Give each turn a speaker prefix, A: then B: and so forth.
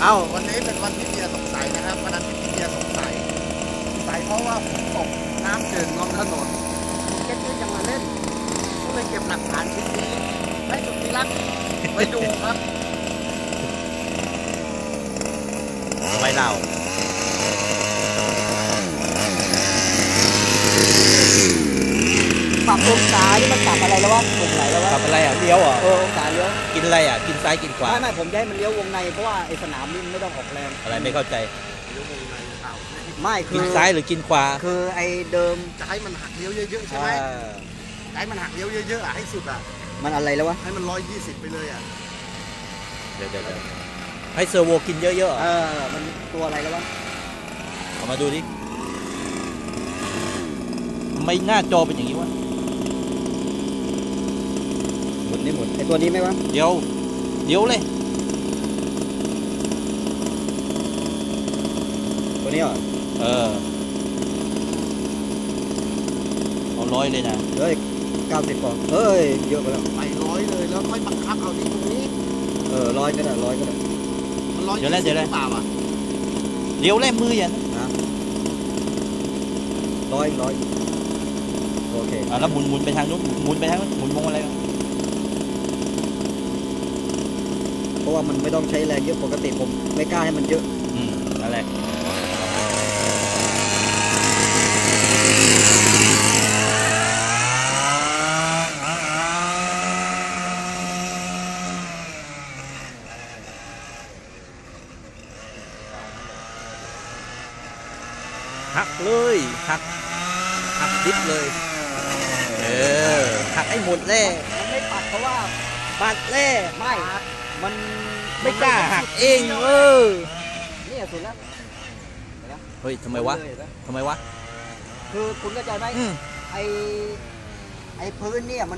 A: วันนี้เป็นวันที่เมียสงสัยนะครับวันนั้นที่เมียสงสัยเพราะว่าฝนตกน้ำเจิ่งลงถนนเก็ตยังมาเล่นก็เลยเก็บหลักฐานชิ้นนี้ให้สุดที่รักไปดูครับ
B: ไว้เล่า
C: ปรับองศานี่มันปรับอะไรแล้ววะตรงไหนแล้ววะ
B: ทำอะไรอ่ะเลี้ยวอ่ะ
C: องศาเลี้ยว
B: กินอะไรอ่ะกินซ้ายกินขวา
C: ไม่ผมจะให้มันเลี้ยววงในเพราะว่าไอ้สนามนี่มันไม่ต้องออกแรง
B: อะไรไม่เข้าใจ
C: ไม่คื
B: กิ
C: อน
B: ซ้ายหรือกินขวา
C: คือไอ้เดิม
A: จะให้มันหักเลี้ยวเยอะๆใช่ไหมให้มันหักเลี้ยวเยอะๆอ่ะให้สุดอ่ะ
C: มันอะไรแล้ววะ
A: ให้มัน120ไปเลยอ่ะ
B: เดี๋ยวให้เซอร์โวกินเยอะๆอ่ะ
C: มันตัวอะไรแล้ววะ
B: เอามาดูดิทำไมหน้าจอเป็นอย่างนี้วะ
C: หมุนไอ้ตัวนี้ไหมวะ
B: เดี๋ยวเลย
C: ตัวนี้เหรอ
B: เอาร้อยเลยนะ
C: เฮ้ย90ปอนด์เฮ้ยเยอะไปแล้ว
A: ไป100เลยแล้วค่อยบังคับเอาที่ตรงนี้
C: 100ก็ได้100ก็ได้
A: มัน120หรือเปล่าอ่ะ
B: เดี๋ยวแล่มืออย่าง
C: 100โอเค
B: แล้วหมุนไปทางนู้นหมุนไปทางนู้นหมุนมองอะไรวะ
C: เพราะว่ามันไม่ต้องใช้แรงเยอะปกติผมไม่กล้าให้มันเยอะ
B: นั่นแหละหักเลยหักดิบเลยหักให้หมดแล่
C: มันไม่ปัดเพราะว่า
B: ปัดแล่
C: ไม่มัน
B: ไม่กล้าหักเอง
C: นี่สุดแล้ว
B: เฮ้ยทำไมวะทำไมวะ
C: คือคุณเข้าใจไหมไอ้พื้นเนี่ย